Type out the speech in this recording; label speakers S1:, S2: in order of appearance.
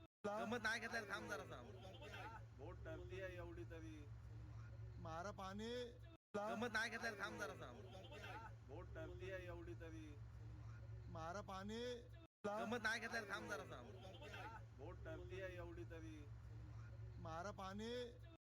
S1: गमत नाही घेतलं थांब जरा
S2: बोट टरती आहे एवढी तरी
S3: मारा पाणी
S1: गमत नाही घेतलं थांब जरा
S2: बोट टरती आहे एवढी तरी
S3: मारा पाणी
S1: गमत नाही घेतलं थांब जरा
S2: बोट टरती आहे एवढी तरी
S3: मारा पाणी